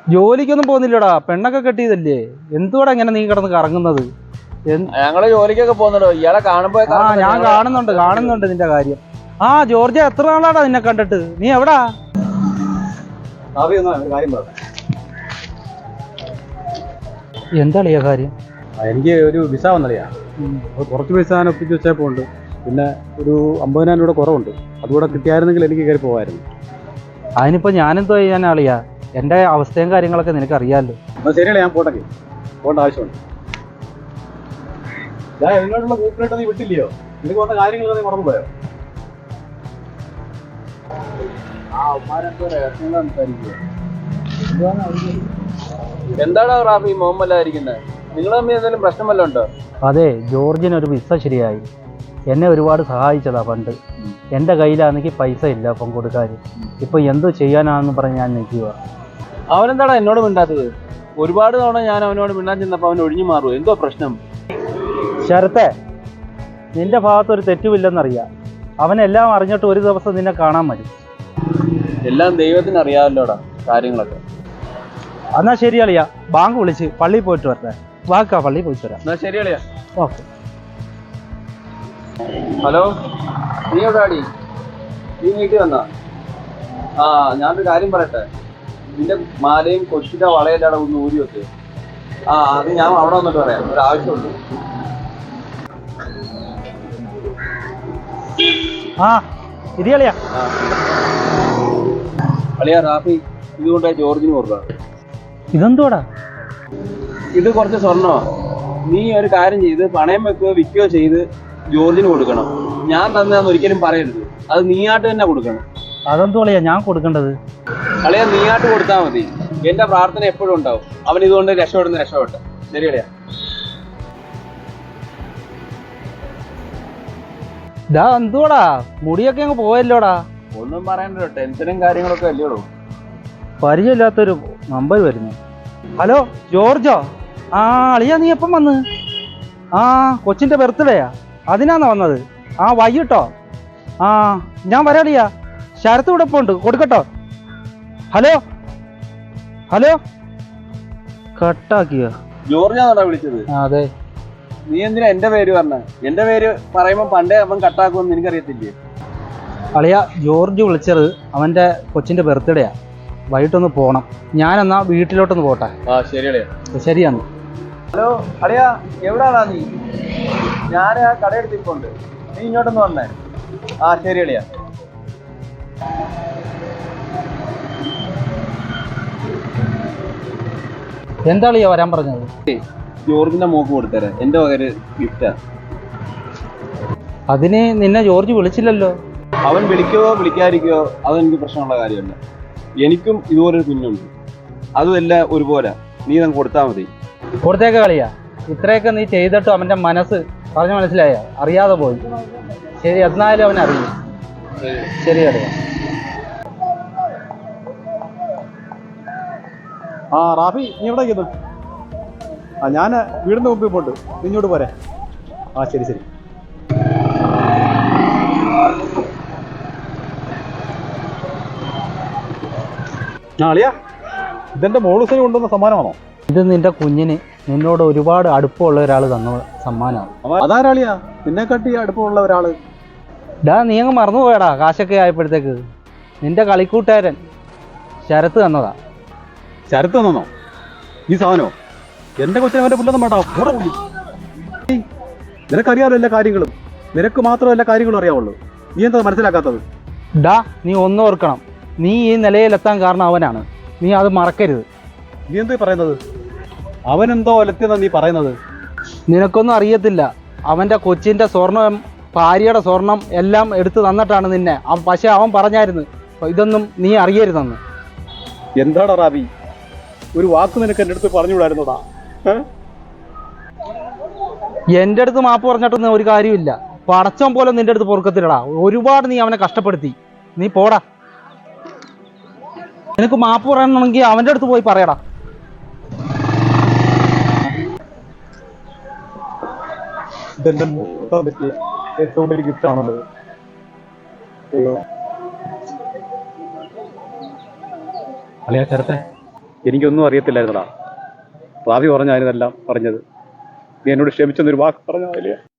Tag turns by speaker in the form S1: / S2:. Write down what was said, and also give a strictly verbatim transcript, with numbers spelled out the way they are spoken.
S1: ജോലിക്കൊന്നും പോകുന്നില്ലടാ, പെണ്ണൊക്കെ കെട്ടിയതല്ലേ. എന്തുകൂടെ ഇങ്ങനെ നീ കിടന്ന് കറങ്ങുന്നത്?
S2: ഞങ്ങള് ജോലിക്കൊക്കെ പോകുന്നുണ്ടോ? ഇയാളെ കാണുമ്പോ
S1: ആ ഞാൻ കാണുന്നുണ്ട് കാണുന്നുണ്ട് നിന്റെ കാര്യം. ആ ജോർജ്, എത്ര നാളാടാ നിന്നെ കണ്ടിട്ട്? നീ എവിടാ? എന്താളിയാ കാര്യം?
S3: എനിക്ക് ഒരു വിസ വന്നറിയാ. കുറച്ച് പൈസ ഞാൻ ഒപ്പിച്ച് വെച്ചപ്പോൾ ഉണ്ട്. പിന്നെ ഒരു അമ്പതിനായിരം രൂപ കുറവുണ്ട്. അതുകൂടെ കിട്ടിയായിരുന്നെങ്കിൽ എനിക്ക് കയറി പോകായിരുന്നു.
S1: അതിനിപ്പോ ഞാനെന്തോ ചെയ്യാനാളിയാ? എന്റെ അവസ്ഥയും കാര്യങ്ങളൊക്കെ നിനക്ക് അറിയാമല്ലോ.
S3: എന്നാൽ ശരിയല്ലേ, ഞാൻ പോട്ടെ. പോകേണ്ട ആവശ്യമുണ്ട്. ഞാൻ എന്നോടുള്ള കൂട്ടിലിട്ട് നീ വിട്ടില്ലയോ? നിനക്ക് വന്ന കാര്യങ്ങളൊക്കെ നീ മറന്നുപോയോ?
S2: എന്താണോ റാഫി മുഹമ്മല്ലായിരിക്കുന്നത്? നിങ്ങൾ തമ്മിൽ എന്തെങ്കിലും പ്രശ്നം വല്ലതും ഉണ്ടോ?
S1: അതെ, ജോർജിനൊരു വിസ ശരിയായി. എന്നെ ഒരുപാട് സഹായിച്ചതാ പണ്ട്. എൻ്റെ കയ്യിലാണെങ്കിൽ പൈസ ഇല്ല അപ്പം കൊടുക്കാൻ. ഇപ്പൊ എന്ത് ചെയ്യാനാണെന്ന് പറഞ്ഞ് ഞാൻ നിൽക്കുക.
S2: അവനെന്താടാ എന്നോട് മിണ്ടാത്തത്? ഒരുപാട് തവണ ഞാൻ അവനോട് മിണ്ടാൻ ചെന്നപ്പോൾ അവൻ ഒഴിഞ്ഞു മാറുമോ? എന്തോ പ്രശ്നം?
S1: ശരത്തെ, നിന്റെ ഭാഗത്തൊരു തെറ്റുമില്ലെന്നറിയാം. അവനെല്ലാം അറിഞ്ഞിട്ട് ഒരു ദിവസം നിന്നെ കാണാൻ മതി.
S2: എല്ലാം ദൈവത്തിന് അറിയാമല്ലോടാ കാര്യങ്ങളൊക്കെ.
S1: എന്നാ ശരിയാളിയാ, ബാങ്ക് വിളിച്ച് പള്ളിയിൽ പോയിട്ട് വരട്ടെ. വാക്കാ, പള്ളിയിൽ പോയിട്ട് വരാം.
S2: എന്നാ ശരിയാളിയാ.
S1: ഓക്കെ.
S2: ഹലോ, നീ എവിടാടി? നീ വീട്ടിൽ വന്നാ? ആ ഞാനൊരു കാര്യം പറയട്ടെ. നിന്റെ മാലയും കൊച്ചിന്റെ വളയെല്ലാം ഒന്ന് ഊരി വെക്ക്. ആ അത് ഞാൻ അവിടെ വന്നിട്ട് പറയാം, ഒരു ആവശ്യമുണ്ട്.
S1: ആ ഇരിയാളിയാ.
S2: അളിയാ റാഫി, ഇതുകൊണ്ട് ജോർജിന് കൊടുക്കുക.
S1: ഇതെന്തോടാ?
S2: ഇത് കുറച്ച് സ്വർണ്ണമാ. നീ ഒരു കാര്യം ചെയ്ത് പണയം വെക്കുകയോ വിൽക്കുകയോ ചെയ്ത് ജോർജിന് കൊടുക്കണം. ഞാൻ തന്നെയാന്ന് ഒരിക്കലും പറയരുത്. അത് നീയാട്ട് തന്നെ കൊടുക്കണം.
S1: അതെന്തോളിയാ ഞാൻ കൊടുക്കേണ്ടത്?
S2: അളിയാ നീയാട്ട് കൊടുത്താൽ മതി. എന്റെ പ്രാർത്ഥന എപ്പോഴും ഉണ്ടാവും. അവൻ ഇതുകൊണ്ട് രക്ഷപ്പെടുന്ന രക്ഷപ്പെട്ടെ. ശരി അളിയാ.
S1: ഇതാ എന്തുവാടാ, മുടിയൊക്കെ അങ്ങ് പോയല്ലോടാ.
S2: ഒന്നും പറയണ്ടോ, ടെൻഷനും കാര്യങ്ങളൊക്കെ അല്ലേടോ.
S1: പരിചയമില്ലാത്തൊരു നമ്പർ വരുന്നു. ഹലോ ജോർജോ? ആ അളിയാ, നീ എപ്പം വന്ന്? ആ കൊച്ചിൻ്റെ ബർത്ത്ഡേയാ, അതിനാന്നാ വന്നത്? ആ വൈകിട്ടോ? ആ ഞാൻ വരാളിയാ. ശരത്ത് ഇവിടെ ഇപ്പോൾ ഉണ്ട്, കൊടുക്കട്ടോ? Hello hello കട്ടാക്കിയോ?
S2: ജോർജാണോടാ വിളിച്ചത്?
S1: അതെ.
S2: നീ എന്തിനാ എന്റെ പേര് പറഞ്ഞ? എന്റെ പേര് പറയുമ്പോ പണ്ടേ അവൻ കട്ടാക്കുമെന്ന് എനിക്കറിയത്തില്ലേ?
S1: അളിയ, ജോർജ് വിളിച്ചത് അവന്റെ കൊച്ചിന്റെ ബർത്ത്ഡേയാ. വൈകിട്ടൊന്ന് പോണം. ഞാനെന്നാ വീട്ടിലോട്ടൊന്ന് പോട്ടെ.
S2: ആ ശരി അളിയാ.
S1: ശരിയാണ്.
S2: ഹലോ അളിയാ, എവിടാണാ നീ? ഞാൻ ആ കടയെടുത്തിട്ടുണ്ട്. നീ ഇങ്ങോട്ടൊന്ന് വന്നേ. ആ ശരി അളിയാ.
S1: എന്താ അളിയാ വരാൻ പറഞ്ഞത്?
S2: ജോർജിന്റെ മോക്ക് കൊടുത്തരാ, എന്റെ വകര് ഗിഫ്റ്റാ.
S1: അതിന് നിന്നെ ജോർജ് വിളിച്ചില്ലല്ലോ.
S2: അവൻ വിളിക്കുകയോ വിളിക്കാതിരിക്കുകയോ അതെനിക്ക് പ്രശ്നമുള്ള കാര്യമല്ല. എനിക്കും ഇതുപോലൊരു കുഞ്ഞുണ്ട്. അതുമെല്ലാം ഒരുപോലെ. നീ നമുക്ക് കൊടുത്താൽ മതി.
S1: കൊടുത്തേക്ക കളിയാ. ഇത്രയൊക്കെ നീ ചെയ്തിട്ടും അവന്റെ മനസ്സ് പറഞ്ഞു മനസ്സിലായ അറിയാതെ പോയി. ശരി, എന്നാലും അവൻ അറിയും. ശരി കളിയാ.
S3: ആ റാഫി, നീ എവിടെ ഇരിക്കുന്നു? ആ ഞാൻ വീടിൻ്റെ മുമ്പിൽ പോണ്ട്. നീ ഇങ്ങോട്ട് പോരെ. ആ ശരി ശരി. ആ അളിയാ, ഇതെന്റെ മോളുസിന് കൊണ്ടുവന്ന സമ്മാനമാണോ?
S1: ഇത് നിന്റെ കുഞ്ഞിന് നിന്നോട് ഒരുപാട് അടുപ്പമുള്ള ഒരാൾ തന്ന സമ്മാനമാണ്.
S3: അതാരാളിയാ നിന്നെ കട്ടി അടുപ്പമുള്ള ഒരാള്?
S1: ഡാ, നീ അങ്ങ് മറന്നുപോയടാ. കാശൊക്കെ ആയപ്പോഴത്തേക്ക് നിന്റെ കളിക്കൂട്ടുകാരൻ ശരത്ത് തന്നതാ.
S3: ശരത്ത് തന്നോ ഈ സാധനോ? എന്റെ കൊച്ചിനെ അവന്റെ പുല്ലൊന്നും വേണ്ട. നിനക്കറിയാമല്ലോ എല്ലാ കാര്യങ്ങളും. നിനക്ക് മാത്രമല്ല എല്ലാ കാര്യങ്ങളും അറിയാവുള്ളൂ. നീ എന്താ മനസ്സിലാക്കാത്തത്?
S1: ഡാ, നീ ഒന്നും ഓർക്കണം. നീ ഈ നിലയിലെത്താൻ കാരണം അവനാണ്. നീ അത് മറക്കരുത്.
S3: നീ എന്താ പറയുന്നത്? അവനെന്തോ ഒലത്തിയെന്നാ നീ പറയുന്നത്?
S1: നിനക്കൊന്നും അറിയത്തില്ല. അവൻ്റെ കൊച്ചിൻ്റെ സ്വർണം, ഭാര്യയുടെ സ്വർണം എല്ലാം എടുത്തു തന്നിട്ടാണ് നിന്നെ. പക്ഷെ അവൻ പറഞ്ഞായിരുന്നു ഇതൊന്നും നീ അറിയരുതെന്ന്.
S3: എന്താടാ റാബി, ഒരു വാക്ക് നിനക്ക് എൻ്റെ അടുത്ത് പറഞ്ഞുകൂടായിരുന്നോടാ?
S1: എൻ്റെ അടുത്ത് മാപ്പ് പറഞ്ഞിട്ടൊന്നും ഒരു കാര്യമില്ല. പടച്ചോൻ പോലെ നിന്റെ അടുത്ത് പൊറുക്കത്തില്ലടാ. ഒരുപാട് നീ അവനെ കഷ്ടപ്പെടുത്തി. നീ പോടാ. നിനക്ക് മാപ്പ് പറയണമെങ്കിൽ അവൻ്റെ അടുത്ത് പോയി പറയടാ.
S3: ഇതെന്റെ പറ്റിയ ഏറ്റവും വലിയ ഗിഫ്റ്റ് ആണല്ലോ. അളിയാ ശരത്തെ, എനിക്കൊന്നും അറിയത്തില്ലായിരുന്നടാ. റാവി പറഞ്ഞ അതിനെല്ലാം പറഞ്ഞത്. നീ എന്നോട് ക്ഷമിച്ചെന്നൊരു വാക്ക് പറഞ്ഞ വലിയ